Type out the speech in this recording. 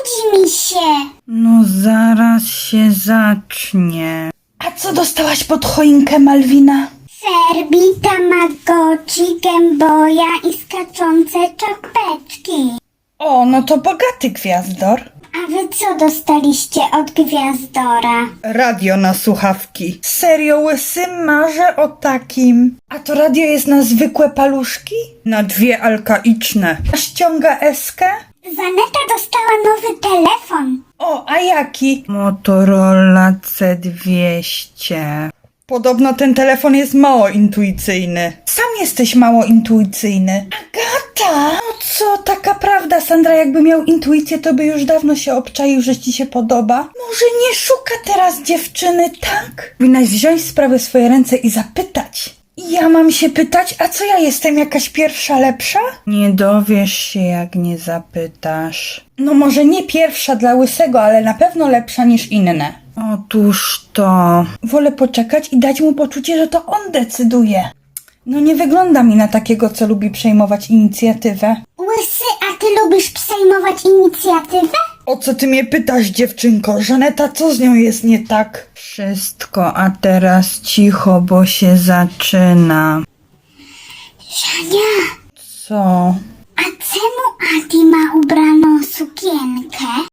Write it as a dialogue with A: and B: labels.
A: nudzi mi się.
B: No zaraz się zacznie. A co dostałaś pod choinkę, Malwina?
A: Serbi, tamagotchi, gęboja i skaczące czapeczki.
B: O, no to bogaty gwiazdor.
A: A wy co dostaliście od Gwiazdora?
B: Radio na słuchawki. Serio, łysy, marzę o takim. A to radio jest na zwykłe paluszki? Na dwie alkaiczne. A ściąga eskę?
A: Zaneta dostała nowy telefon.
B: O, a jaki? Motorola C200. Podobno ten telefon jest mało intuicyjny. Sam jesteś mało intuicyjny. Agata! No co, taka prawda, Sandra, jakby miał intuicję, to by już dawno się obczaił, że ci się podoba. Może nie szuka teraz dziewczyny, tak? Powinnaś wziąć sprawę w swoje ręce i zapytać. Ja mam się pytać, a co ja jestem jakaś pierwsza lepsza? Nie dowiesz się, jak nie zapytasz. No może nie pierwsza dla łysego, ale na pewno lepsza niż inne. Otóż to. Wolę poczekać i dać mu poczucie, że to on decyduje. No nie wygląda mi na takiego, co lubi przejmować inicjatywę.
A: Łysy, a ty lubisz przejmować inicjatywę?
B: O co ty mnie pytasz, dziewczynko? Żaneta, co z nią jest nie tak? Wszystko, a teraz cicho, bo się zaczyna.
A: Żania,
B: Co?
A: a czemu Adi ma ubraną sukienkę?